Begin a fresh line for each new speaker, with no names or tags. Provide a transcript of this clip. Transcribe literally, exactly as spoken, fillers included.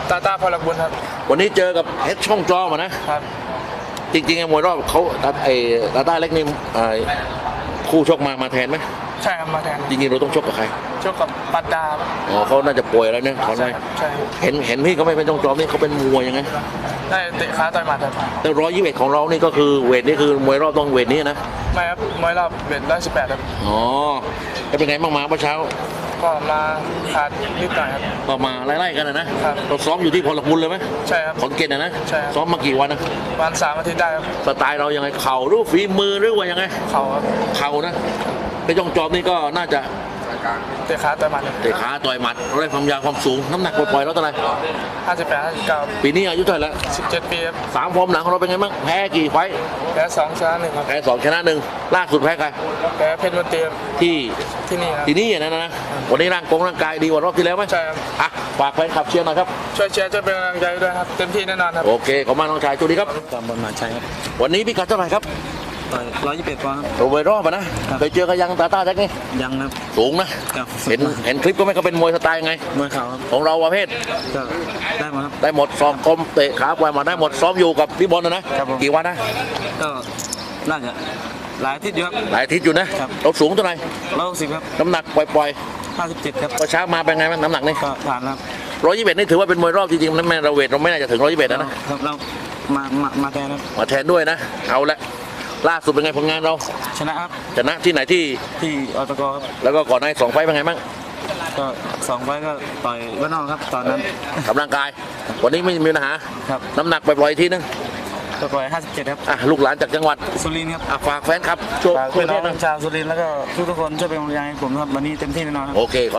ตาตาพลักบุญครับ
วันนี้เจอกับเพชรช่องจอมานะครับจริงๆไอ้มวยรอบเขาไอ้ตาต้าเล็กนี่คู่ชกมามาแทนไหม
ใช่ครับมาแทน
จริงๆเราต้องชกกับใคร
ชกกับปัตตา
อ๋อเขาน่าจะป่วยแล้วเนี่ยเขาไ
ม่ใช่
เห็นเห็นพี่เขาไม่เป็นช่องจอนี่เขาเป็นมวยยังไง
ได้เตะขาต่อยหมัดครับ
แต่ร้อยยี่สิบเอ็ดของเรานี่ก็คือเวทนี่คือมวยรอบต้องเวทนี้นะ
ไม่ครับมวยรอบเวทร้อยสิบแปดครับ
อ๋อจะเป็นไงบ้างมาเมื่อเช้า
ก็มาขาดนิดหน่อยครับ
ก็มาไล่ๆกันนะครับเราซ้อมอยู่ที่พลบุญเลยไหม
ใช่ครับ
ขอนแก่นนะ
ใช่
ซ้อมมากี่วันนะ
วันสามอาทิตย์ได้ครับ
สไตล์เรายังไงเข่าหรือฝีมือหรือว่ายังไง
เข่าครับ
เข่านะไปจ้องจอมนี่ก็น่าจะ
เตะขาต่อยหมัด
เตะขาต่อยหมัดเราได้ความยาวความสูงน้ำหนักปล่อยๆแล้วเท่าไหร่
ห้าสิบแปดห้าสิบเก้า
ปีนี้อายุเท่าไหร่แล้ว
สิบเจ็ดปีครับ
สามฟอร์มหลังของเราเป็นไงบ้างแพ้กี่ไฟ
แพ้สองชนะหนึ่งครับ
แพ้สองชนะหนึ่งล่าสุดแพ้ใคร
แพ้เพชรมนตรี
ที่
ที่นี่ครับ
ที่นี่นะนะวันนี้ร่างกงร่างกายดีกว่ารอบที่แล้วไหม
ใช่ครับ
อ่ะฝากแฟนคลับเชียร์หน่อยครับ
ช่วยเชียร์ช่วยเป็นกำลังใจด้วยครับเต็มที่แน่นอนครับ
โอเคขอบคุณน้องชายจุดีครับ
ตามบอลมาใช่ครับ
วันนี้พี่กัดเท่าไหร่ครับ
ต่อยร้อยยี่สิบเอ็ดปอนด์
โรเบโรป่ะนะเคยเจอกันยังตาตาแจ็คนี่
ยังครับ
สูงนะเห็นเห็นคลิปก็ไม่เขาเป็นมวยสไตล์ไง
มวยเข่าครับ
ของเราประเภท
ก็ได้หมดครับ
ได้หมดซ้อมคมเตะขาปล่อยมาได้หมดซ้อมอยู่กับพี่บอลนะนะกี่วันนะ
ก็น่าจะหลายอาทิตย์อยู่ครับ
หลายอาทิตย์อยู่นะเราสูงเท่าไหร่
ร้อยหกสิบครับ
น้ำหนักปล่อย
ห้าสิบเจ็ดครับ
ก็เช้ามาเป็นไงบ้างน้ำหนักนี่
ก็ผ่านครับ
ร้อยยี่สิบเอ็ดนี่ถือว่าเป็นมวยรอบจริงๆนั่นแม่เราเวทเราไม่น่าจะถึงร้อยยี่สิบเอ็ดนะครับ
เรามามามาแทนครับ
มาแทนด้วยนะเอาละล่าสุดเป็นไงผลงานเรา
ชนะครับ
ชนะที่ไหนที่
ที่อตกครับ
แล้วก็ก่อนหน้าสองไฟเป็นไงบ้าง
ก็สองไฟก็ต่อยบ้านนอกครับตอนนั้น
กำลังกายวันนี้ไม่มีปัญหา
ครับ
น้ำหนักปล่อยๆทีนึง
ก็ปล่อยห้าสิบเจ็ดครับ
อ่ะลูกหลานจากจังหวัด
สุรินทร์ครับ
อ่ะฝากแฟนครับช่วย
พี่น้องชาวสุรินทร์แล้วก็ทุกทุกคนช่วยเป็นกำลังใจให้ผมครับวันนี้เต็มที่แน่นอน
โอเค